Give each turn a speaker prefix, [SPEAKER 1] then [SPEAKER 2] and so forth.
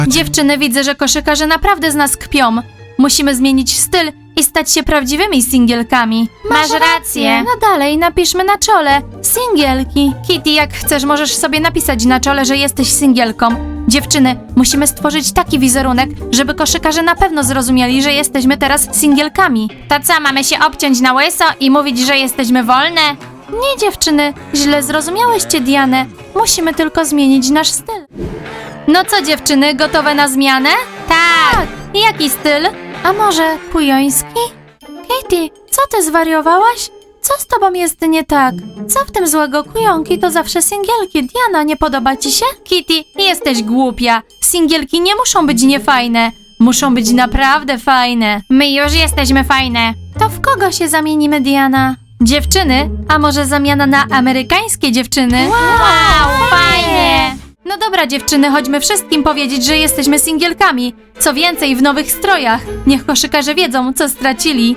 [SPEAKER 1] Dziewczyny, widzę, że koszykarze naprawdę z nas kpią. Musimy zmienić styl i stać się prawdziwymi singielkami.
[SPEAKER 2] Masz rację.
[SPEAKER 1] No dalej, napiszmy na czole. Singielki. Kitty, jak chcesz, możesz sobie napisać na czole, że jesteś singielką. Dziewczyny, musimy stworzyć taki wizerunek, żeby koszykarze na pewno zrozumieli, że jesteśmy teraz singielkami.
[SPEAKER 2] To co, mamy się obciąć na łyso i mówić, że jesteśmy wolne?
[SPEAKER 1] Nie, dziewczyny, źle zrozumiałyście Dianę. Musimy tylko zmienić nasz styl. No co, dziewczyny, gotowe na zmianę?
[SPEAKER 2] Tak.
[SPEAKER 1] Jaki styl? A może kujoński? Katie, co ty zwariowałaś? Co z tobą jest nie tak? Co w tym złego? Kujonki to zawsze singielki. Diana, nie podoba ci się? Kitty, jesteś głupia. Singielki nie muszą być niefajne. Muszą być naprawdę fajne.
[SPEAKER 2] My już jesteśmy fajne.
[SPEAKER 1] To w kogo się zamienimy, Diana? Dziewczyny? A może zamiana na amerykańskie dziewczyny?
[SPEAKER 2] Wow, fajnie.
[SPEAKER 1] No dobra, dziewczyny, chodźmy wszystkim powiedzieć, że jesteśmy singielkami. Co więcej, w nowych strojach. Niech koszykarze wiedzą, co stracili.